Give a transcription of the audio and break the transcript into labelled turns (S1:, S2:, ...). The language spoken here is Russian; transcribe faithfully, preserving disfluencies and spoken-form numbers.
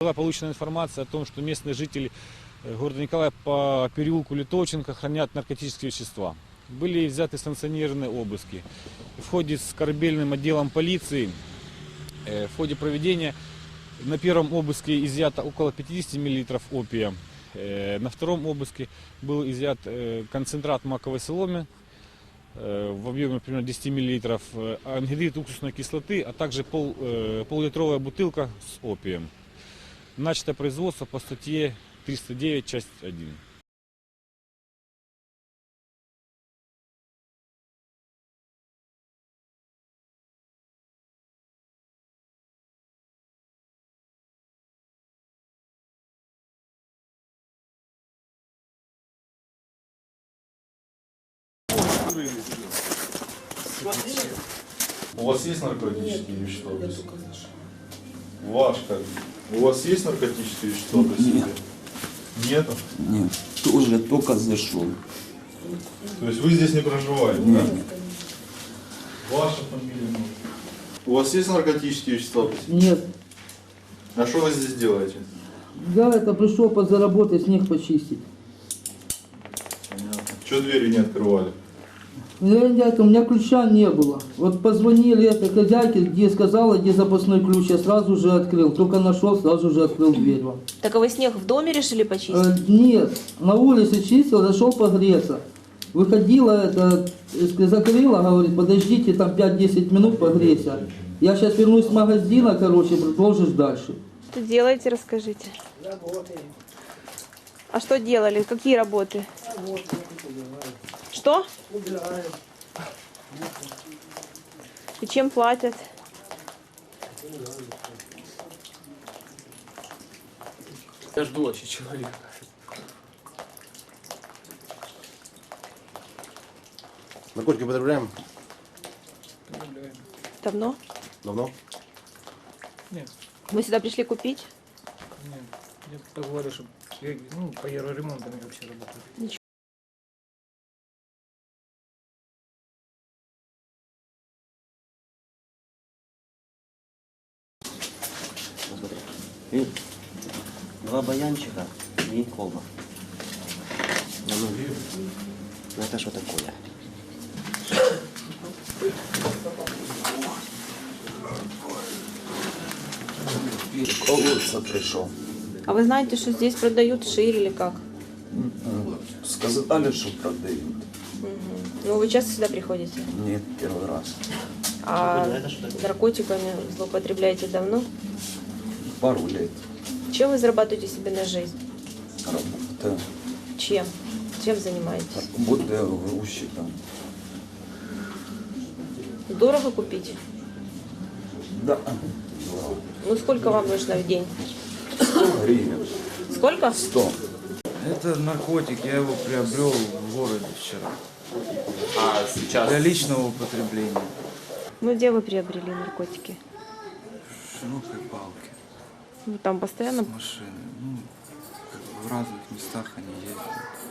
S1: Была получена информация о том, что местные жители города Николая по переулку Литовченко хранят наркотические вещества. Были взяты санкционированные обыски. В ходе с корабельным отделом полиции, в ходе проведения на первом обыске изъято около пятидесяти миллилитров опия. На втором обыске был изъят концентрат маковой соломы в объеме примерно десяти миллилитров, ангидрид уксусной кислоты, а также пол, пол-литровая бутылка с опием. Начато производство по статье триста девять, часть один.
S2: У вас есть наркотические вещества при себе? Ваш как? У вас есть наркотические вещества при себе?
S3: Нет.
S2: Нету?
S3: Нет, тоже только зашел.
S2: То есть вы здесь не проживаете?
S3: Нет.
S2: Да? Ваша фамилия? У вас есть наркотические вещества при себе?
S4: Нет.
S2: А что вы здесь делаете?
S4: Я это пришел подзаработать, снег почистить.
S2: Понятно. Чего двери не открывали?
S4: Я, я, у меня ключа не было. Вот позвонили этой хозяйке, где сказала, где запасной ключ, я сразу же открыл. Только нашел, сразу же открыл дверь вам.
S5: Так а вы снег в доме решили почистить?
S4: Э, нет, на улице чистил, зашел погреться. Выходила, это, э, закрыла, говорит, подождите там пять-десять минут погреться. Я сейчас вернусь с магазина, короче, продолжишь дальше.
S5: Что делаете, расскажите.
S4: Работаем.
S5: А что делали? Какие работы? Что?
S4: Убираем.
S5: И чем платят?
S6: Я жду вообще человека.
S7: Наркотики употребляем?
S5: Давно?
S7: Давно?
S6: Нет,
S5: Вы сюда пришли купить?
S6: нет. Я просто говорю, что я, ну, по евроремонтам я вообще работаю.
S7: Смотри. И два баянчика и колба. А ну, ну это что такое? Колодца пришел.
S5: А вы знаете, что здесь продают шире или как?
S3: Сказали, что продают.
S5: Ну, вы часто сюда приходите?
S3: Нет, первый раз.
S5: А наркотиками злоупотребляете давно?
S3: Пару лет
S5: Чем вы зарабатываете себе на жизнь?
S3: работаю.
S5: Чем? Чем занимаетесь?
S3: Работаю грузчиком.
S5: Дорого купить?
S3: Да.
S5: Ну, сколько вам нужно в день?
S3: сто гривен.
S5: Сколько?
S3: сто.
S8: Это наркотик, я его приобрел в городе вчера.
S6: А сейчас?
S8: Для личного употребления.
S5: Ну, где вы приобрели наркотики?
S8: В широкой палке.
S5: Вы там постоянно?
S8: Машины. Ну, как бы в разных местах они ездят.